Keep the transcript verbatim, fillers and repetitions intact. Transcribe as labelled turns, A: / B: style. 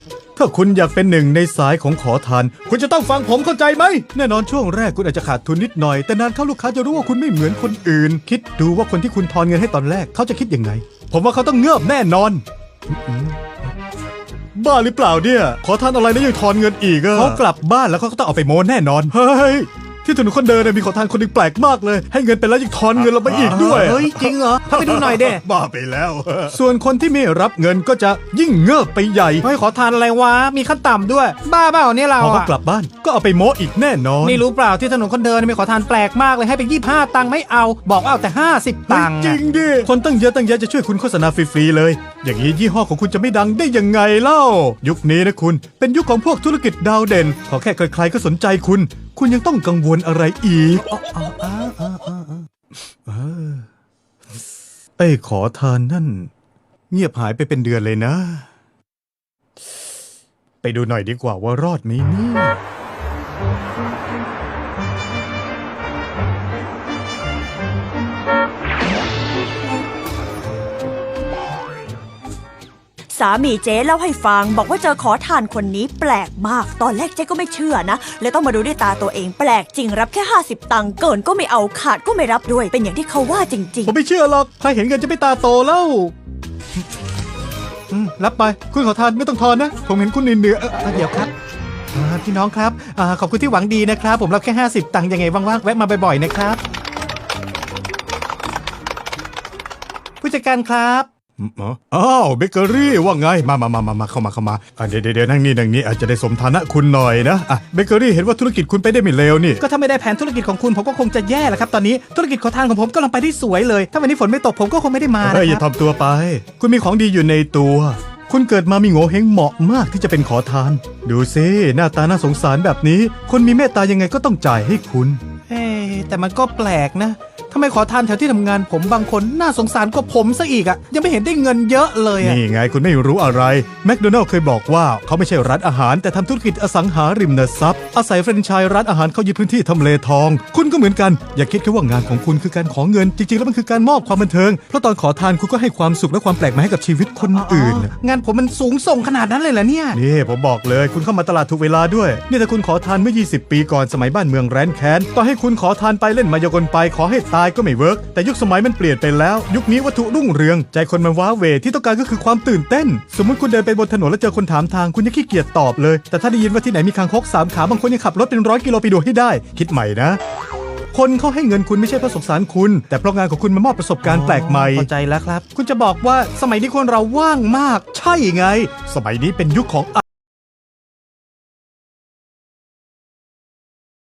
A: ถ้าคุณอยากเป็นหนึ่งในสายของขอทานคุณจะต้องฟังผมเข้าใจไหมแน่นอนช่วงแรกคุณอาจจะขาดทุนนิดหน่อยแต่นานเข้าลูกค้าจะรู้ว่าคุณไม่เหมือนคนอื่นคิดดูว่าคนที่คุณทอนเงินให้ตอนแรกเขาจะคิดยังไงผมว่าเขาต้องเงือบแน่นอนบ้าหรือเปล่าเนี่ยขอทานอะไรแล้วยังทอนเงินอีกอะเขากลับบ้านแล้วเขาก็ต้องเอาไปโม้แน่นอนเฮ้ยที่ถนนคนเดินมีขอทานคนหนึ่งแปลกมากเลยให้เงินไปแล้วยังทอนเงินเราไปอีกด้วย
B: เฮ้ยจริงเหรอถ้าไปดูหน่อยเด้
A: บ้าไปแล้ว ส่วนคนที่ไม่รับเงินก็จะยิ่งเงิบไปใหญ่
B: เฮ้ยขอทานอะไรวะมีขั้นต่ำด้วยบ้าเปล่าเนี่ยเรา
A: พอเขา
B: อะ
A: กลับบ้านก็เอาไปโม้อีกแน่นอน
B: นี่รู้เปล่าที่ถนนคนเดินมีขอทานแปลกมากเลยให้ไปยี่สิบห้าตังค์ไม่เอาบอกว่าเอาแต่ห้าสิบตังค์
A: จริงดิคนตั้งเยอะตั้งแยะจะช่วยคุณโฆษณาฟรีๆเลย อย่างนี้ยี่ห้อของคุณจะไม่ดังได้ยังไงเล่ายุคนี้นะคุณเป็นยุคของพวกธุรกิจดาวเด่นขอแค่ใครๆก็สนใจคุณคุณยังต้องกังวลอะไรอีกไอ้ขอทานนั่นเงียบหายไปเป็นเดือนเลยนะไปดูหน่อยดีกว่าว่ารอดไหมเนี่ย
C: สามีเจ๊เล่าให้ฟังบอกว่าเจอขอทานคนนี้แปลกมากตอนแรกเจ๊ก็ไม่เชื่อนะเลยต้องมาดูด้วยตาตัวเองแปลกจริงรับแค่ห้าสิบตังค์เกินก็ไม่เอาขาดก็ไม่รับด้วยเป็นอย่างที่เขาว่าจริง
A: ผมไม่เชื่อหรอกใครเห็นเงินจะไม่ตาโตแล้วอืมรับไปคุณขอทานไม่ต้องทอนนะผมเห็นคุณเหนื่อยๆเอ่อ
B: เดี๋ยวครับอ่าพี่น้องครับอ่าขอบคุณที่หวังดีนะครับผมรับแค่ห้าสิบตังค์ยังไงว่างๆแวะมาบ่อยๆนะครับผู้จัดการครับ
A: อ๋ออ้าวเบเกอรี่ว่าไงมามามามามาเข้ามาเข้ามาอ่ะเดี๋ยวเดี๋ยวนั่งนี่นั่งนี่อาจจะได้สมฐานะคุณหน่อยนะอ่ะเบเกอรี่เห็นว่าธุรกิจคุณไปได้ไม่เลวนี่
B: ก็ถ้าไม่ได้แผนธุรกิจของคุณผมก็คงจะแย่แหละครับตอนนี้ธุรกิจขอทานของผมกำลังไปได้สวยเลยถ้าวันนี้ฝนไม่ตกผมก็คงไม่ได้มานะ
A: เฮ้ยอ
B: ค
A: ย่า
B: รับ
A: ทำตัวไป คุณมีของดีอยู่ในตัว คุณเกิดมามีโง่เฮงเหมาะมากที่จะเป็นขอทาน ดูซิหน้าตาน่าสงสารแบบนี้ คนมีเมตตายังไงก็ต้องจ่ายให้คุณ
B: เอ๊ะแต่มันก็แปลกนะทำไมขอทานแถวที่ทำงานผมบางคนน่าสงสารกว่าผมซะอีกอะยังไม่เห็นได้เงินเยอะเลยอะ
A: นี่ไงคุณไม่รู้อะไรแมคโดนัลด์เคยบอกว่าเขาไม่ใช่ร้านอาหารแต่ทำธุรกิจอสังหาริมทรัพย์อาศัยแฟรนไชส์ร้านอาหารเข้ายึดพื้นที่ทำเลทอง คุณก็เหมือนกันอย่าคิดแค่ว่างานของคุณคือการขอเงินจริงๆแล้วมันคือการมอบความบันเทิงเพราะตอนขอทานคุณก็ให้ความสุขและความแปลกใหม่ให้กับชีวิตคนอื่น
B: งานผมมันสูงส่งขนาดนั้นเลยเหรอเนี่ย
A: นี่ผมบอกเลยคุณเข้ามาตลาดถูกเวลาด้วยนี่ถ้าคุณขอทานเมื่อยี่สิบปีก่อนสมัยบ้านเมืองแร้นแค้นต่อให้คุณขอทานไปเล่นมายากลไปขอให้ตายก็ไม่เวิร์กแต่ยุคสมัยมันเปลี่ยนไปแล้วยุคนี้วัตถุรุ่งเรืองใจคนมันว้าเหวที่ต้องการก็คือความตื่นเต้นสมมุติคุณเดินไปบนถนนแล้วเจอคนถามทางคุณยังขี้เกียจตอบเลยแต่ถ้าได้ยินว่าที่ไหนมีคางคกสามขาบางคนยังขับรถเป็นร้อยกิโลไปดูให้ได้คิดใหม่นะคนเขาให้เงินคุณไม่ใช่เพราะสงสารคุณแต่เพราะงานของคุณมันมอบประสบการณ์แปลกใหม่
B: เข้าใจแล้วครับคุณจะบอกว่าสมัยนี้คนเราว่างมาก
A: ใช่ไงสมัยนี้เป็นยุคของ